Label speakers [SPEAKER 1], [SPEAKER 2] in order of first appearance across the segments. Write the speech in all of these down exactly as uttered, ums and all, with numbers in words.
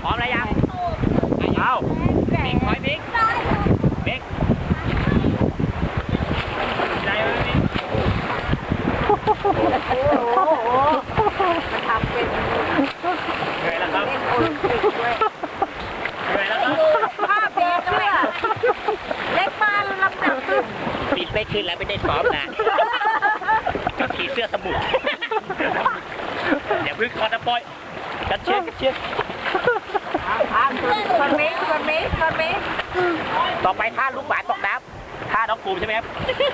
[SPEAKER 1] พร้อมแล้วยังเอาบิ๊กคอยบิ๊กบิ๊กใจไหมบิ๊ก
[SPEAKER 2] โอ้โหมันทำเป็น
[SPEAKER 1] เหนื่อยแล้วครับ
[SPEAKER 2] เป็นโอลิมปิกด้วย
[SPEAKER 1] เหนื่อยแล้วครับ
[SPEAKER 2] ภาพเด็กด้วยเล็กมากลำหนักขึ้น
[SPEAKER 1] ปิดไม่ขึ้นแล้วไม่ได้ซ้อมนะขี่เสื้อสมุนอย่าพึ่งคอตะปอยกันเชียร์กันเชียร์
[SPEAKER 2] ทางคนมิกคนมิกคนมิก
[SPEAKER 1] ต่อไปท่าลูกหมาตกน้ำท่าน้องปูใช่ไหมครับ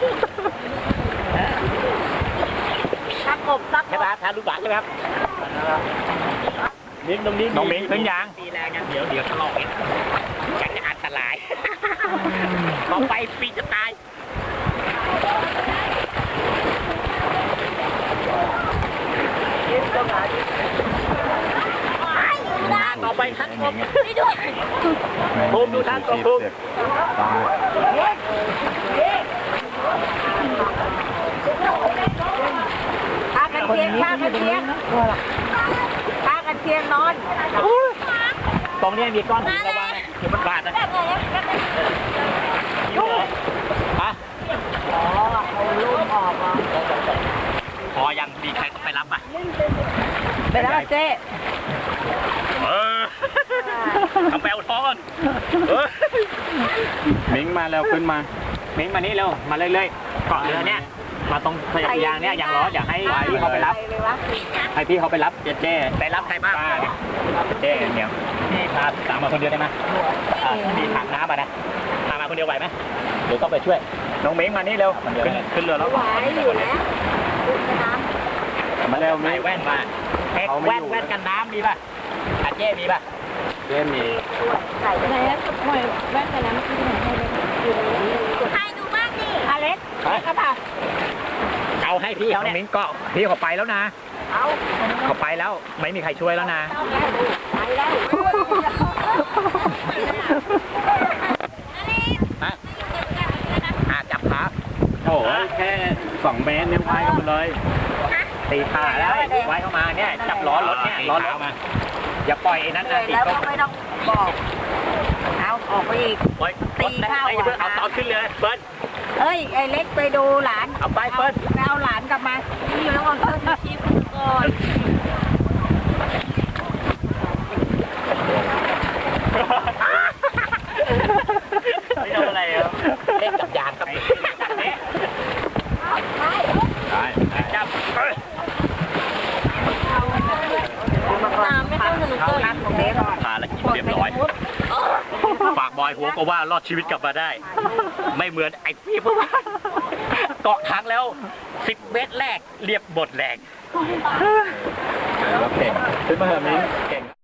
[SPEAKER 2] ตะกบตะก
[SPEAKER 1] ใช่ไหมครับท่าลูกหมาใช่ไหมครับมิ้งตรงนี้น้องมิ้งขึ้นยางตีแรงกันเดี๋ยวเดี๋ยวทะเลาะกันฉันจะอันตรายต่อไปปีจะตายต่อไปท่านกบภูมิดูท่านกบภูมิ
[SPEAKER 2] ข้ากันเทียงข้ากันเทียงข้ากันเทียงนอน
[SPEAKER 1] ตรงนี้มีก้อนหินระวังนะเดี๋ยวมันบาดนะยูฮะ
[SPEAKER 2] อ๋อเอาลูกออกมา
[SPEAKER 1] พอยังมีใครต้องไปรับอ่ะ
[SPEAKER 2] ไปแล้วเจ๊
[SPEAKER 1] เออทำแปลวท้องก่อนเออ
[SPEAKER 3] มิงมาแล้วขึ้นมา
[SPEAKER 1] มิ้งมานี่เร็วมาเรื่อยๆเกาะเรือเนี่ยมาตรงสยามยางเนี่ยยางล้ออยากให้พี่เขาไปรับให้พี่เขาไปรับเจ๊เจ๊ไปรับใครบ้างเจ๊เนี่ยพี่พาสามมาคนเดียวได้ไหมพี่ถังน้ำมานะพามาคนเดียวไหวไหมหรือต้องไปช่วยน้องมิ้งมานี่เร็วขึ้นขึ้นเรือแล้ว
[SPEAKER 2] ไหวอยู่แล้วน้
[SPEAKER 3] มาแล้ว
[SPEAKER 1] ใส่
[SPEAKER 3] มิง
[SPEAKER 1] แว่นมาแว่นแว่นกันน้ำมีป่ะอาเจ๊มีป่ะ
[SPEAKER 3] เจ๊มี
[SPEAKER 2] ำใส่ไหนแล้วหน่อยแว่นกันน้ำที่ไหนให้ดูบ้างดิอเล็กครับป่ะ
[SPEAKER 1] เอาให้พี่เขาเนี่ยมิ้งเกาะพี่เขาไปแล้วนะ
[SPEAKER 2] เอา
[SPEAKER 1] เขาไปแล้วไม่มีใครช่วยแล้วนะ
[SPEAKER 2] ไปแล้ว
[SPEAKER 1] ฮะอาจับขา
[SPEAKER 3] โอ้ยแค่สองเมตรเนี่ยพายกันหมดเลย
[SPEAKER 1] ตีขาแล้วไว้เข้ามาเนี่ยจับล้อรถเนี่ยล้อรถมาอย่าปล่อยไอ้นั้น
[SPEAKER 2] เล
[SPEAKER 1] นะ
[SPEAKER 2] ย
[SPEAKER 1] ตี
[SPEAKER 2] แล้ว
[SPEAKER 1] ตรง
[SPEAKER 2] ก็ไม่ต้องบอกเอาออกไปอีก
[SPEAKER 1] ปล่อยตีเข้าเอาตอนขึ้นเลยเบิ้ล
[SPEAKER 2] เอ้ยไอ้เล็กไปดูหลาน
[SPEAKER 1] เอาไปเบิ้ล
[SPEAKER 2] ไปเอาหลานกลับมาอยู่แล้วก็เพิ่มชีพก่อน
[SPEAKER 1] ไม่โดนอะไรอ่ะเล่นกับยางกับเด็กนี้ได้จับ
[SPEAKER 2] น้ำไม่ต้องสนุกเลยของเด็กก่อน
[SPEAKER 1] พาแล้วกินเรียบร้อยปากบอยหัวก็ว่ารอดชีวิตกลับมาได้ ไม่เหมือนไอ้พี่พวกเกาะค้างแล้วสิบเมตรแรกเรียบหมดแรง
[SPEAKER 3] เก่งขึ้นมาเถอะมิงเก่ง